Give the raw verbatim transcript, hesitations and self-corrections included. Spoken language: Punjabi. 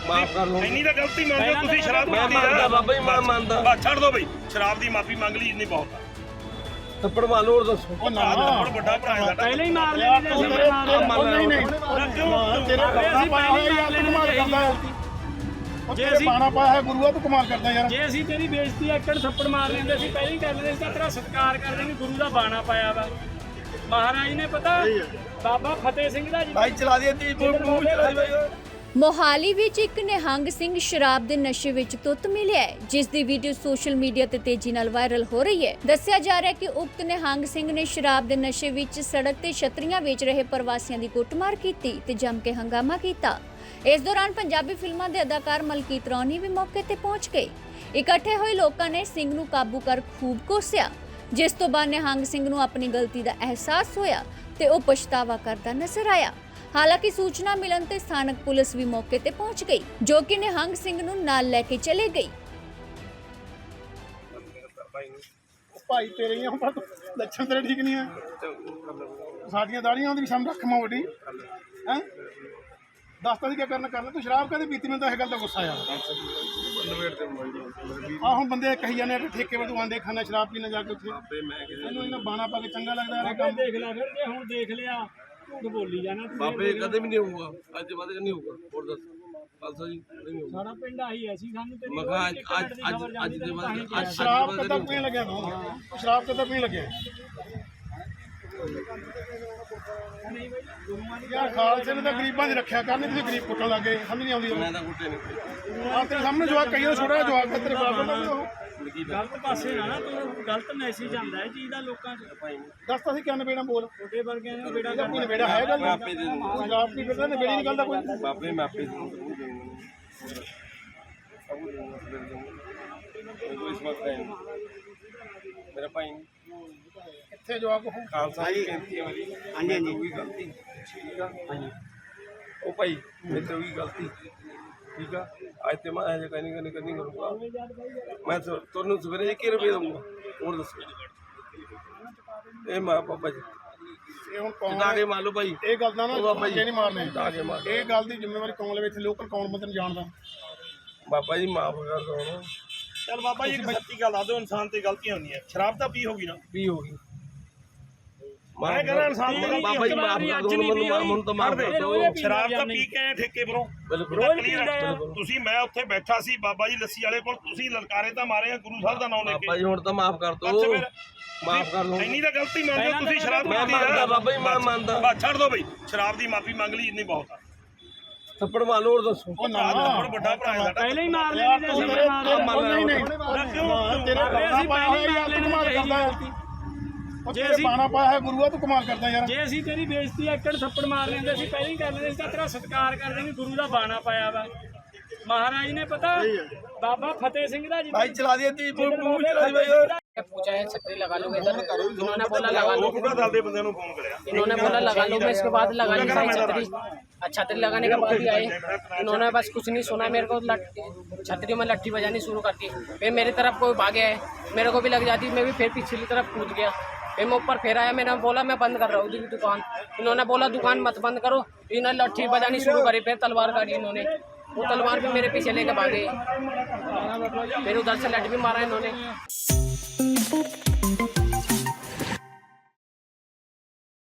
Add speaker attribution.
Speaker 1: ਮਾਫ ਕਰ ਲਓ।
Speaker 2: ਇੰਨੀ ਤਾਂ ਗਲਤੀ ਮੰਨਦੇ ਹੋ ਤੁਸੀਂ, ਸ਼ਰਾਬ
Speaker 1: ਮੈਂ
Speaker 2: ਪੀਤੀ
Speaker 1: ਮੰਨਦਾ ਬਾਬਾ ਜੀ, ਮੈਂ ਮੰਨਦਾ।
Speaker 2: ਬਸ ਛੱਡ ਦੋ ਬਈ, ਸ਼ਰਾਬ ਦੀ ਮਾਫੀ ਮੰਗ ਲਈ ਇੰਨੀ ਬਹੁਤ ਆ।
Speaker 1: ਥੱਪੜ ਮਾਰ ਹੋਰ ਦੱਸੋ।
Speaker 2: ਉਹ ਨਾ ਹੁਣ ਵੱਡਾ ਭਰਾ ਹੈ ਸਾਡਾ,
Speaker 3: ਪਹਿਲਾਂ ਹੀ ਮਾਰ ਲੈਣੇ ਸੀ ਅਸੀਂ ਮਾਰ
Speaker 1: ਨਹੀਂ ਨਹੀਂ
Speaker 4: ਤੇਰੇ ਬਾਣਾ ਪਾਇਆ ਹੋਇਆ ਯਾਰ ਤੂੰ ਕਮਾਲ ਕਰਦਾ ਹੈ। ਜੇ ਅਸੀਂ ਬਾਣਾ ਪਾਇਆ ਹੈ ਗੁਰੂਆ ਤੂੰ ਕਮਾਲ ਕਰਦਾ ਯਾਰ।
Speaker 3: ਜੇ ਅਸੀਂ ਤੇਰੀ ਬੇਇੱਜ਼ਤੀ ਇੱਕ ਥੱਪੜ ਮਾਰ ਲੈਂਦੇ ਸੀ ਪਹਿਲਾਂ ਹੀ ਕਰ ਲੈਂਦੇ ਸੀ ਤਾਂ ਤੇਰਾ ਸਤਿਕਾਰ ਕਰਦੇ ਵੀ ਗੁਰੂ ਦਾ ਬਾਣਾ ਪਾਇਆ ਵਾ। ਮਹਾਰਾਜ ਨੇ ਪਤਾ ਬਾਬਾ ਫਤਿਹ ਸਿੰਘ ਦਾ
Speaker 1: ਭਾਈ ਚਲਾ ਦੀ ਤੀ ਮੂੰਹ ਚਲਾ ਦੀ।
Speaker 5: ਮੋਹਾਲੀ ਵਿੱਚ ਇੱਕ ਨਿਹੰਗ ਸਿੰਘ ਸ਼ਰਾਬ ਦੇ ਨਸ਼ੇ ਵਿੱਚ ਧੁੱਤ ਮਿਲਿਆ ਹੈ, ਜਿਸ ਦੀ ਵੀਡੀਓ ਸੋਸ਼ਲ ਮੀਡੀਆ ਤੇ ਤੇਜ਼ੀ ਨਾਲ ਵਾਇਰਲ ਹੋ ਰਹੀ ਹੈ। ਦੱਸਿਆ ਜਾ ਰਿਹਾ ਹੈ ਕਿ ਉਕਤ ਨਿਹੰਗ ਸਿੰਘ ਨੇ ਸ਼ਰਾਬ ਦੇ ਨਸ਼ੇ ਵਿੱਚ ਸੜਕ ਤੇ ਛਤਰੀਆਂ ਵੇਚ ਰਹੇ ਪ੍ਰਵਾਸੀਆਂ ਦੀ ਕੁੱਟਮਾਰ ਕੀਤੀ ਤੇ ਜੰਮ ਕੇ ਹੰਗਾਮਾ ਕੀਤਾ। ਇਸ ਦੌਰਾਨ ਪੰਜਾਬੀ ਫਿਲਮਾਂ ਦੇ ਅਦਾਕਾਰ ਮਲਕੀਤ ਰੌਣੀ ਵੀ ਮੌਕੇ ਤੇ ਪਹੁੰਚ ਗਏ। ਇਕੱਠੇ ਹੋਏ ਲੋਕਾਂ ਨੇ ਸਿੰਘ ਨੂੰ ਕਾਬੂ ਕਰ ਖੂਬ ਕੋਸਿਆ, ਜਿਸ ਤੋਂ ਬਾਅਦ ਨਿਹੰਗ ਸਿੰਘ ਨੂੰ ਆਪਣੀ ਗਲਤੀ ਦਾ ਅਹਿਸਾਸ ਹੋਇਆ ਤੇ ਉਹ ਪਛਤਾਵਾ ਕਰਦਾ ਨਜ਼ਰ ਆਇਆ। ਹਾਲਾਂਕਿ ਸੂਚਨਾ ਮਿਲਣ ਤੇ ਸਥਾਨਕ ਪੁਲਿਸ ਵੀ ਮੌਕੇ ਤੇ ਪਹੁੰਚ ਗਈ, ਜੋ ਕਿ ਨਿਹੰਗ ਸਿੰਘ ਨੂੰ ਨਾਲ ਲੈ ਕੇ ਚਲੇ ਗਈ।
Speaker 4: ਭਾਈ ਤੇਰੇ ਹੀ ਆ ਲੱਛਣ ਤੇਰੇ ਠੀਕ ਨਹੀਂ ਆ। ਸਾਡੀਆਂ ਦਾੜੀਆਂ ਉਹਦੀ ਸ਼ਮ ਰੱਖ ਮਾ ਵੱਡੀ ਹੈ। ਦੱਸਤਾ ਸੀ ਕੀ ਕਰਨਾ ਕਰ ਲੈ। ਤੂੰ ਸ਼ਰਾਬ ਕਦੇ ਪੀਤੀ? ਮੈਨੂੰ ਤਾਂ ਇਹ ਗੱਲ ਦਾ ਗੁੱਸਾ ਆ। ਆ ਹੁਣ ਬੰਦੇ ਕਹੀ ਜਾਂਦੇ ਆ ਕਿ ਠੇਕੇ ਵਜੋਂ ਆਂਦੇ ਖਾਣਾ ਸ਼ਰਾਬ ਪੀਣਾ ਜਾ ਕੇ ਉੱਥੇ। ਇਹਨੂੰ ਇਹਨਾਂ ਬਾਣਾ ਪਾ ਕੇ ਚੰਗਾ ਲੱਗਦਾ ਇਹ ਕੰਮ।
Speaker 3: ਦੇਖ ਲੈ ਫਿਰ, ਜੇ ਹੁਣ ਦੇਖ ਲਿਆ ਝੂਠ ਬੋਲੀ ਜਾਣਾ
Speaker 1: ਬਾਬੇ ਕਦੇ ਵੀ ਨਹੀਂ ਹੋਊਗਾ, ਅੱਜ ਬਾਅਦ ਨਹੀਂ ਹੋਊਗਾ। ਹੋਰ ਦੱਸ ਖਾਲਸਾ ਜੀ ਨਹੀਂ ਹੋਊਗਾ।
Speaker 3: ਸਾਡਾ ਪਿੰਡ ਆਹੀ ਐਸੀ ਸਾਨੂੰ ਤੇਰੀ
Speaker 1: ਮੈਂ ਕਿਹਾ ਅੱਜ ਅੱਜ ਅੱਜ ਅੱਜ ਦੇ ਬਾਅਦ ਅੱਜ
Speaker 4: ਸ਼ਰਾਬ ਕਦਾ ਪੀਣ ਲੱਗਿਆ ਤੂੰ? ਸ਼ਰਾਬ ਕਦਾ ਪੀਣ ਲੱਗਿਆ ਯਾਰ? ਖਾਲਸੇ ਨੇ ਤਾਂ ਗਰੀਬਾਂ ਦੀ ਰੱਖਿਆ ਕਰਨੀ, ਤੁਸੀਂ ਗਰੀਬ ਕੁੱਟਣ ਲੱਗੇ। ਸਮਝ ਨਹੀਂ ਆਉਂਦੀ।
Speaker 1: ਮੈਂ ਤਾਂ ਕੁੱਟੇ ਨਹੀਂ।
Speaker 4: ਆ ਤੇਰੇ ਸਾਹਮਣੇ ਜਵਾਕ ਕਈਆਂ ਛੋਟਾ ਜਵਾਕ ਤੇਰੇ ਬਾਪ ਦਾ ਉਹ
Speaker 3: ਗਲਤ ਪਾਸੇ ਨਾ ਨਾ ਤੂੰ ਗਲਤ ਮੈਸੇਜ ਆਉਂਦਾ ਹੈ ਚੀਜ਼ ਦਾ ਲੋਕਾਂ 'ਚ।
Speaker 4: ਦੱਸਤਾ ਸੀ ਕਿਆ ਨਵੇੜਾ ਬੋਲ।
Speaker 3: ਛੋਟੇ ਵਰਗਿਆਂ ਨੂੰ ਬੇੜਾ
Speaker 4: ਕੋਈ ਨਵੇੜਾ ਹੈ ਗੱਲ?
Speaker 1: ਆਪੇ ਦੇ ਦੂੰਗਾ
Speaker 4: ਸ਼ਰਾਬ ਪੀ ਕੇ ਤਾਂ ਨਵੇੜੀ ਨਹੀਂ ਗੱਲ ਦਾ ਕੋਈ।
Speaker 1: ਬਾਬੇ ਮੈਂ ਆਪੇ ਦੇ ਦੂੰਗਾ ਸਭ ਕੁਝ ਦੂੰਗਾ ਫਿਰ ਦੂੰਗਾ ਕੋਈ ਇਸ ਵਕਤ ਹੈ ਮੇਰਾ ਭਾਈ
Speaker 4: ਇੱਥੇ ਜਵਾਕ ਉਹ
Speaker 1: ਖਾਲਸਾ ਜੀ ਬੇਨਤੀ ਹੈ ਮੇਰੀ। ਹਾਂਜੀ ਹਾਂਜੀ ਕੋਈ ਗਲਤੀ ਠੀਕ ਆ। ਹਾਂਜੀ ਉਹ ਭਾਈ ਮੇਰੇ ਤੋਂ ਵੀ ਗਲਤੀ ਠੀਕ ਆ। ਅੱਜ ਤੇ ਮੈਂ ਇਹ ਕਹਿੰਦੀ ਕਰਨੀ ਕਰਨੀ ਕਰੂੰਗਾ। ਮੈਂ ਤੁਹਾਨੂੰ ਸਵੇਰੇ ਇੱਕ ਰੁਪਏ ਦਊਂਗਾ। ਹੋਰ ਦੱਸੋ ਇਹ ਮਾਂ ਪਾਪਾ ਜੀ
Speaker 4: ਇਹ ਹੁਣ ਕੌਣ
Speaker 1: ਜਿੱਦਾਂ ਕੇ ਮੰਨ ਲਓ ਭਾਈ
Speaker 4: ਇਹ ਗੱਲ ਦਾ ਨਾ
Speaker 1: ਬਾਬਾ ਜੀ
Speaker 4: ਨਹੀਂ ਮਾਰਨੇ।
Speaker 1: ਜਿੱਦਾਂ ਕੇ ਮਾਰ
Speaker 4: ਇਹ ਗੱਲ ਦੀ ਜ਼ਿੰਮੇਵਾਰੀ ਕੌਣ ਲਵੇ? ਇੱਥੇ ਲੋਕਲ ਕੌਣ ਬੰਦੇ ਨੂੰ ਜਾਣਦਾ?
Speaker 1: ਬਾਬਾ ਜੀ ਮਾਫ ਕਰ ਦੋ ਉਹਨੂੰ।
Speaker 2: ਚੱਲ ਬਾਬਾ ਜੀ ਇੱਕ ਸੱਚੀ ਗੱਲ ਆ ਦਿਓ, ਇਨਸਾਨ ਤੇ ਗਲਤੀਆਂ ਹੁੰਦੀਆਂ। ਸ਼ਰਾਬ ਤਾਂ ਪੀ ਹੋਗੀ ਨਾ,
Speaker 1: ਵੀ ਹੋ ਗਈ।
Speaker 2: ਮੈਂ ਕਹਿੰਦਾ ਇਨਸਾਨ ਤੇ
Speaker 1: ਬਾਬਾ ਜੀ ਮਾਫ ਕਰ ਦੋ ਮੈਨੂੰ। ਮੈਨੂੰ ਤਾਂ ਮਾਫ ਕਰ ਦੋ।
Speaker 2: ਸ਼ਰਾਬ ਤਾਂ ਪੀ ਕੇ ਆਏ ਠੇਕੇ ਪਰੋਂ।
Speaker 1: ਬਿਲਕੁਲ
Speaker 2: ਤੁਸੀਂ ਮੈਂ ਉੱਥੇ ਬੈਠਾ ਸੀ ਬਾਬਾ ਜੀ ਲੱਸੀ ਵਾਲੇ ਕੋਲ, ਤੁਸੀਂ ਲਲਕਾਰੇ ਤਾਂ ਮਾਰੇ ਆ ਗੁਰੂ ਸਾਹਿਬ ਦਾ ਨਾਮ ਲੈ ਕੇ।
Speaker 1: ਬਾਬਾ ਜੀ ਹੁਣ ਤਾਂ ਮਾਫ ਕਰ ਦੋ।
Speaker 2: ਅੱਛਾ ਫਿਰ
Speaker 1: ਮਾਫ ਕਰ ਲਓ।
Speaker 2: ਇੰਨੀ ਤਾਂ ਗਲਤੀ ਮੰਨਦੇ ਹੋ ਤੁਸੀਂ, ਸ਼ਰਾਬ
Speaker 1: ਮੈਂ
Speaker 2: ਪੀਤੀ
Speaker 1: ਮੰਨਦਾ ਬਾਬਾ ਜੀ, ਮੈਂ ਮੰਨਦਾ।
Speaker 2: ਬਸ ਛੱਡ ਦੋ ਬਈ, ਸ਼ਰਾਬ ਦੀ ਮਾਫੀ ਮੰਗ ਲਈ ਇੰਨੀ ਬਹੁਤ ਆ।
Speaker 1: ਥੱਪੜ ਮਾਰ ਹੋਰ ਦੱਸੋ।
Speaker 4: ਉਹ ਨਾ
Speaker 2: ਹੁਣ ਵੱਡਾ ਭਰਾ ਹੈ ਸਾਡਾ,
Speaker 3: ਪਹਿਲਾਂ ਹੀ ਮਾਰ ਲੈਣੇ ਸੀ ਅਸੀਂ ਮਾਰ
Speaker 4: ਨਹੀਂ ਨਹੀਂ ਤੇਰੇ ਬਾਣਾ ਪਾਇਆ ਹੋਇਆ ਯਾਰ ਤੂੰ ਕਮਾਲ ਕਰਦਾ ਹੈ। ਜੇ ਅਸੀਂ ਬਾਣਾ ਪਾਇਆ ਹੈ ਗੁਰੂਆ ਤੂੰ ਕਮਾਲ ਕਰਦਾ ਯਾਰ।
Speaker 3: ਜੇ ਅਸੀਂ ਤੇਰੀ ਬੇਇੱਜ਼ਤੀ ਇੱਕ ਥੱਪੜ ਮਾਰ ਲੈਂਦੇ ਸੀ ਪਹਿਲਾਂ ਹੀ ਕਰ ਲੈਂਦੇ ਸੀ ਤਾਂ ਤੇਰਾ ਸਤਿਕਾਰ ਕਰਦੇ ਵੀ ਗੁਰੂ ਦਾ ਬਾਣਾ ਪਾਇਆ ਵਾ। ਮਹਾਰਾਜ ਨੇ ਪਤਾ ਬਾਬਾ ਫਤਿਹ ਸਿੰਘ ਦਾ
Speaker 1: ਭਾਈ ਚਲਾ ਦੀ ਤੀ ਮੂੰਹ ਚਲਾ ਦੀ।
Speaker 6: पूछा है छतरी लगा लोगे इधर, इन्होंने बोला लगा लो।
Speaker 2: दल दे बंदे फोन कराया,
Speaker 6: इन्होंने बोला लगा लो, मैं इसके बाद लगा ली सारी छतरी। छतरी लगाने के बाद ही आए, इन्होंने बस कुछ नहीं सुना मेरे को, छतरी में लट्ठी बजानी शुरू कर दी। फिर मेरी तरफ कोई भागे है, मेरे को भी लग जाती, मैं भी फिर पिछली तरफ कूद गया। फिर मैं ऊपर फिर आया, मैंने बोला मैं बंद कर रहा हूँ दुकान। इन्होंने बोला दुकान मत बंद करो, इन्होंने लट्ठी बजानी शुरू करी। फिर तलवार काटी इन्होंने, वो तलवार भी मेरे पीछे लेके भागे। फिर उधर से लट भी मारा इन्होंने।